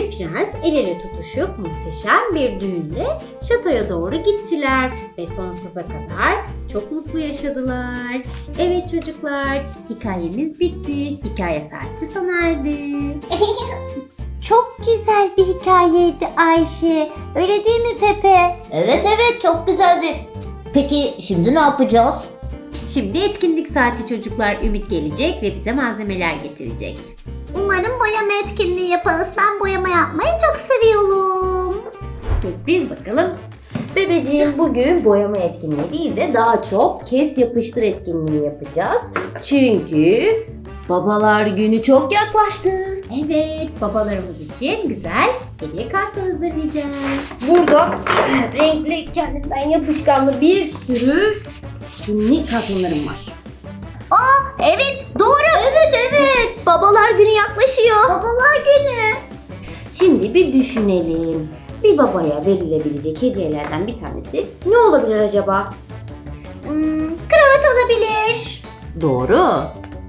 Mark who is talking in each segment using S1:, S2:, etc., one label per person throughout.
S1: ve prens el ele tutuşup muhteşem bir düğünle şatoya doğru gittiler ve sonsuza kadar çok mutlu yaşadılar. Evet çocuklar, hikayemiz bitti. Hikaye saati sona erdi.
S2: Çok güzel bir hikayeydi Ayşe. Öyle değil mi Pepe?
S3: Evet çok güzeldi. Peki şimdi ne yapacağız?
S1: Şimdi etkinlik saati çocuklar. Ümit gelecek ve bize malzemeler getirecek.
S2: Umarım boyama etkinliği yaparız. Ben boyama yapmayı çok seviyorum.
S1: Sürpriz bakalım.
S4: Bebeciğim, bugün boyama etkinliği değil de daha çok kes yapıştır etkinliği yapacağız. Çünkü babalar günü çok yaklaştı.
S1: Evet, babalarımız için güzel hediye kartı hazırlayacağız.
S4: Burada renkli, kendinden yapışkanlı bir sürü simli kartonlarım var.
S3: Evet doğru. Evet. Babalar günü yaklaşıyor.
S2: Babalar günü.
S4: Şimdi bir düşünelim. Bir babaya verilebilecek hediyelerden bir tanesi ne olabilir acaba?
S2: Kravat olabilir.
S4: Doğru.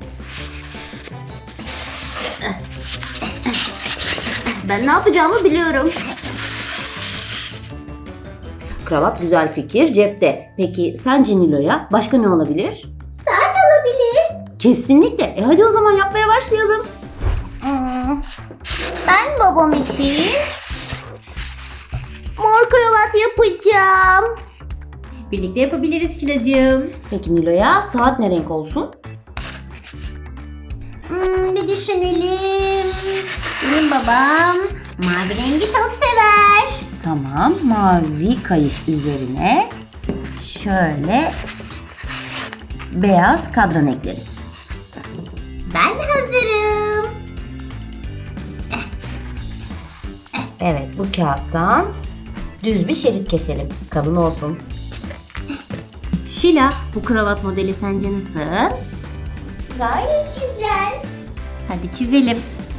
S3: Ben ne yapacağımı biliyorum.
S4: Kravat güzel fikir, cepte. Peki sence Nilo'ya başka ne olabilir?
S2: Saat olabilir.
S4: Kesinlikle. Hadi o zaman yapmaya başlayalım.
S3: Ben babam için mor kravat yapacağım.
S1: Birlikte yapabiliriz Şilacığım.
S4: Peki Nilo'ya saat ne renk olsun?
S2: Bir düşünelim. Benim babam mavi rengi çok sever.
S4: Tamam, mavi kayış üzerine şöyle beyaz kadran ekleriz.
S2: Ben hazırım.
S4: Evet, bu kağıttan düz bir şerit keselim. Kalın olsun.
S1: Şila, bu kravat modeli sence nasıl?
S2: Gayet güzel.
S1: Hadi çizelim.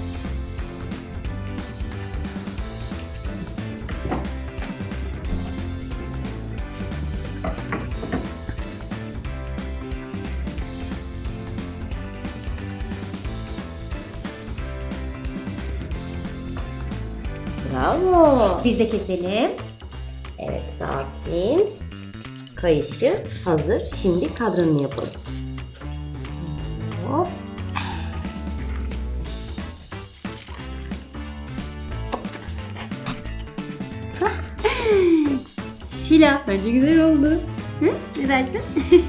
S4: Bravo.
S1: Biz de keselim.
S4: Evet, saatin kayışı hazır. Şimdi kadranını yapalım. Hop.
S1: Şila, bence güzel oldu. Hı? Ne dersin?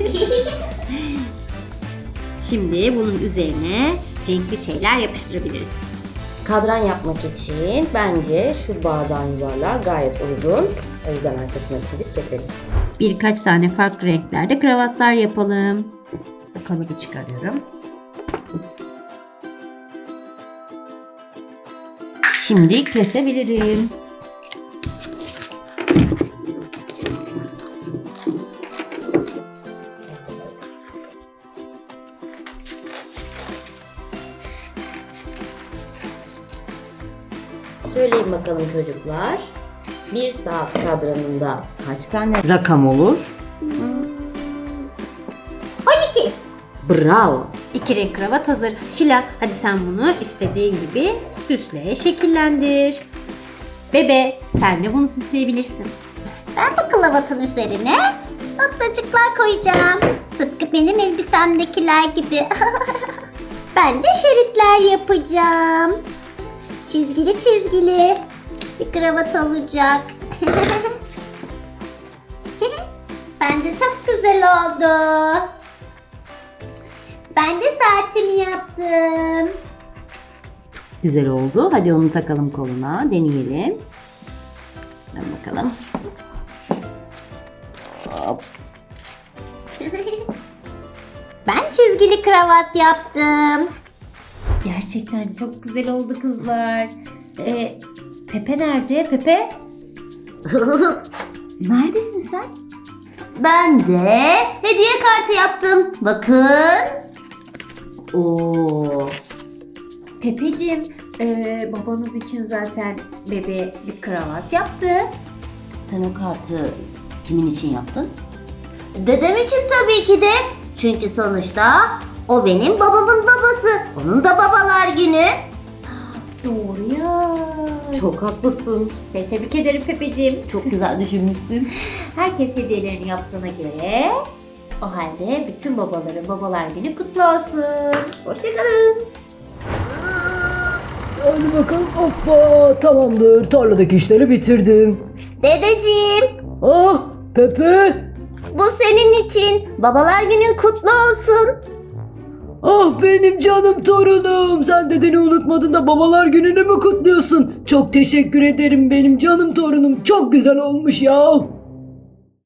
S1: Şimdi bunun üzerine renkli şeyler yapıştırabiliriz.
S4: Kadran yapmak için bence şu bardağın yuvarlağı gayet uygun. O yüzden arkasına çizip keselim.
S1: Birkaç tane farklı renklerde kravatlar yapalım. Kalıbı çıkarıyorum.
S4: Şimdi kesebilirim. Söyleyin bakalım çocuklar. Bir saat kadranında kaç tane rakam olur?
S2: 12.
S4: Bravo.
S1: 2 renk kravat hazır. Şila, hadi sen bunu istediğin gibi süsle, şekillendir. Bebe, sen de bunu süsleyebilirsin.
S2: Ben bu kravatın üzerine noktacıklar koyacağım. Tıpkı benim elbisemdekiler gibi. Ben de şeritler yapacağım. Çizgili çizgili bir kravat olacak. Bence çok güzel oldu. Ben de saatimi yaptım.
S4: Güzel oldu. Hadi onu takalım koluna. Deneyelim. Hadi bakalım. Hop.
S2: Ben çizgili kravat yaptım.
S1: Gerçekten çok güzel oldu kızlar. Pepe nerede? Pepe?
S4: Neredesin sen?
S3: Ben de hediye kartı yaptım. Bakın.
S4: Oo.
S1: Pepeciğim, babanız için zaten bebe bir kravat yaptı.
S4: Sen o kartı kimin için yaptın?
S3: Dedem için tabii ki de. Çünkü sonuçta o benim babamın babası. Onun da babalar günü.
S1: Doğru ya.
S4: Çok haklısın.
S1: Seni tebrik ederim Pepeciğim.
S4: Çok güzel düşünmüşsün.
S1: Herkes hediyelerini yaptığına göre o halde bütün babaların babalar günü kutlu olsun. Hoşçakalın.
S5: Hadi bakalım. Hoppa, tamamdır. Tarladaki işleri bitirdim.
S3: Dedeciğim,
S5: Ah, Pepe.
S3: bu senin için. Babalar günün kutlu olsun.
S5: Ah benim canım torunum. Sen dedeni unutmadın da babalar gününü mü kutluyorsun? Çok teşekkür ederim benim canım torunum. Çok güzel olmuş ya.